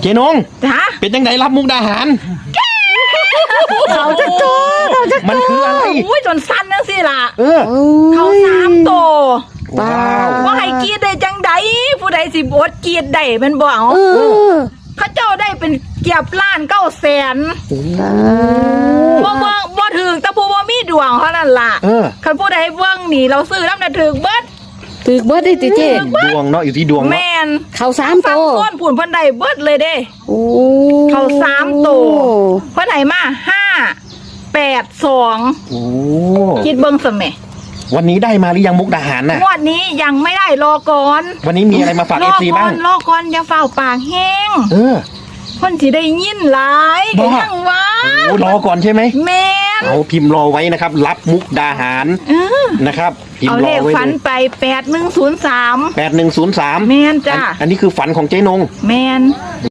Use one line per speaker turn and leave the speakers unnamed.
เจนง
จ้า
เป็นจังไดรับมุกดาหาร
เขาจะโตเขาจะ
มันคืออะไร
โอ้ยจนสั้นจังสิล่ะ
เออ
เขา3 โต
ว้าว
ว่าให้กรีดได้จังใดผู้ใดสิบอดกรีดได้แมันบ่เอา เขาเจ้าได้เป็นเกียบล้าน900,000บ่ถึงแต่ผู้บ่มีดวงเท่านั้นล่ะ
เออ
คันผู้ใดเบิ่งนี่เราซื้อน้ำน่ะถึกเบิด
ถือเบิดได้ติเจ
ดวงเนาะอยู่ที่ดวงเนาะ
แม่น
เขา3โต
ฟังต้นผุนเพิ่นได้เบิดเลยเด้
โอ้
เขา3 โตเพิ่นให้มา582
โอ้
คิดเบิ่งซะแหม
วันนี้ได้มาหรือยังมุกดาหารน่ะ
งวดนี้ยังไม่ได้รอก่อน
วันนี้มีอะไรมาฝาก
รอ
FC
ก่อ
บ้าง
นรอก่อนอย่าเฝ้าปากแห้ง
เออ
เพิ่นสิได้ยินหลายก็
บ้า
ยังว่า
โอ้รอก่อนใช่ไหม
แม่น
เอาพิมพ์รอไว้นะครับ รับมุกดาหาร
เออ
นะครับ พิม
เอา
พ์ร
เล
อ
ข
ไว้
ฝัน
เลย
ไป8103
8103
แม่นจ้ะ
อันนี้คือฝันของเจ๊นง
แม่น